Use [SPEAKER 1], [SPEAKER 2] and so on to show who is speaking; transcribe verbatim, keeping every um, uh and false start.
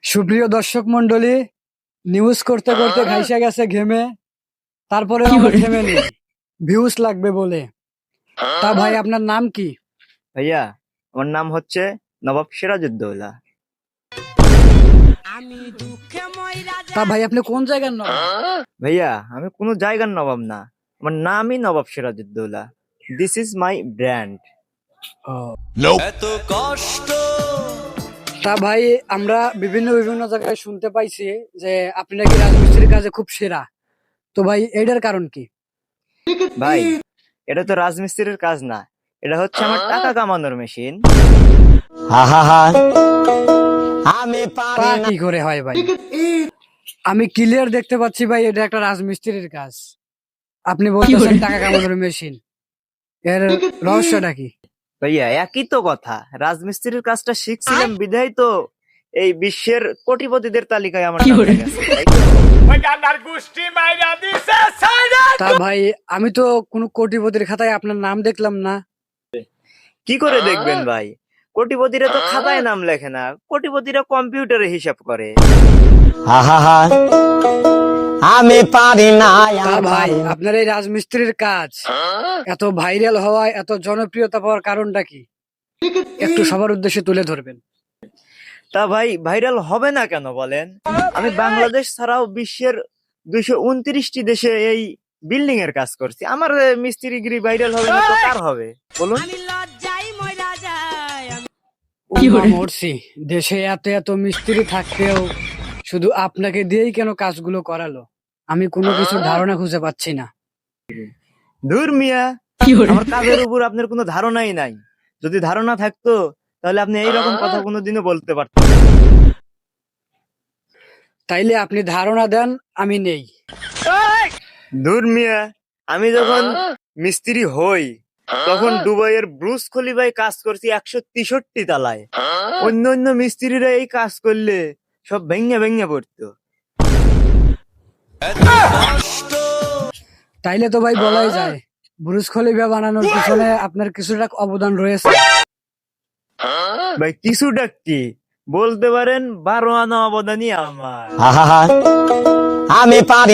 [SPEAKER 1] সুপ্রিয় দর্শক মন্ডলী, নিউজ করতে করতে ঘাইসা গেছে ঘেমে, তারপরে আমরা থেমে নেই ভিউজ লাগবে বলে। তা ভাই, আপনার নাম কি?
[SPEAKER 2] ভাইয়া, আমার নাম হচ্ছে নবাব সিরাজউদ্দৌলা।
[SPEAKER 1] তা ভাই, আপনি কোন জায়গার নবাব?
[SPEAKER 2] ভাইয়া, আমি কোনো জায়গার নবাব না, আমার নামই Nawab Sirajuddaula. This is my brand.
[SPEAKER 1] তা ভাই, আমরা বিভিন্ন বিভিন্ন জায়গায় শুনতে পাইছি যে আপনি নাকি রাজমিস্ত্রির কাজে খুব সেরা। তো ভাই, এটার কারণ কি?
[SPEAKER 2] ভাই, এটা তো রাজমিস্ত্রির কাজ না, এটা হচ্ছে আমার টাকা কামানোর মেশিন।
[SPEAKER 1] তা কি করে হয় ভাই? আমি ক্লিয়ার দেখতে পাচ্ছি ভাই, এটা একটা রাজমিস্ত্রির কাজ। আপনি বলতেছেন টাকা কামানোর মেশিন, এর রহস্যটা কি?
[SPEAKER 2] ভাইয়া, একই তো কথা, রাজমিস্ত্রির কাজটা শিখছিলাম বিধায় তো এই বিশ্বের কোটিপতিদের তালিকায় আমার নাম উঠে গেছে, তাই তো?
[SPEAKER 1] তা ভাই, আমি তো কোনো কোটিপতির খাতায় আপনার নাম দেখলাম না।
[SPEAKER 2] কি করে দেখবেন ভাই? কোটিপতিরা তো খাতায় নাম লেখে না, কোটিপতিরা কম্পিউটারে হিসাব করে।
[SPEAKER 3] আমি পারি না।
[SPEAKER 1] তা ভাই, আপনার এই রাজমিস্ত্রির কাজ এত ভাইরাল হওয়ায়, এত জনপ্রিয়তা পাওয়ার কারণটা কি? একটু সবার উদ্দেশ্যে তুলে ধরবেন।
[SPEAKER 2] তা ভাই, ভাইরাল হবে না কেন বলেন? আমি বাংলাদেশ ছাড়াও বিশ্বের দুইশো উনত্রিশটি দেশে এই বিল্ডিং এর কাজ করছি। আমার মিস্ত্রিগিরি ভাইরাল হবে না তো কার হবে বলুন?
[SPEAKER 1] উমা, মরছি। দেশে এত এত মিস্ত্রি থাকতেও শুধু আপনাকে দিয়েই কেন কাজগুলো করালো? আমি কোনো কিছু ধারণা খুঁজে পাচ্ছি না।
[SPEAKER 2] ধুর মিয়া, আমার কাজের উপর আপনার কোনো ধারণাই নাই। যদি ধারণা থাকতো তাহলে আপনি এইরকম কথা কোনোদিনও বলতে পারতেন না।
[SPEAKER 1] তাইলে আপনি ধারণা দেন, আমি নেই।
[SPEAKER 2] ধুর মিয়া, আমি যখন মিস্ত্রি হই তখন দুবাইয়ের ব্রুজ খলিফায় কাজ করছি একশো তেষট্টি তালায়। অন্য অন্য মিস্ত্রিরা এই কাজ করলে সব ভেঙে ভেঙে পড়তো।
[SPEAKER 1] তাইলে তো ভাই বলাই যায়, বুরুজ খলিফা বানানোর পিছনে আপনার কিছুটা অবদান রয়েছে।
[SPEAKER 2] ভাই, কিছুটা কি বলতে পারেন, বারো আনা অবদানই আমার।
[SPEAKER 3] আমি পারি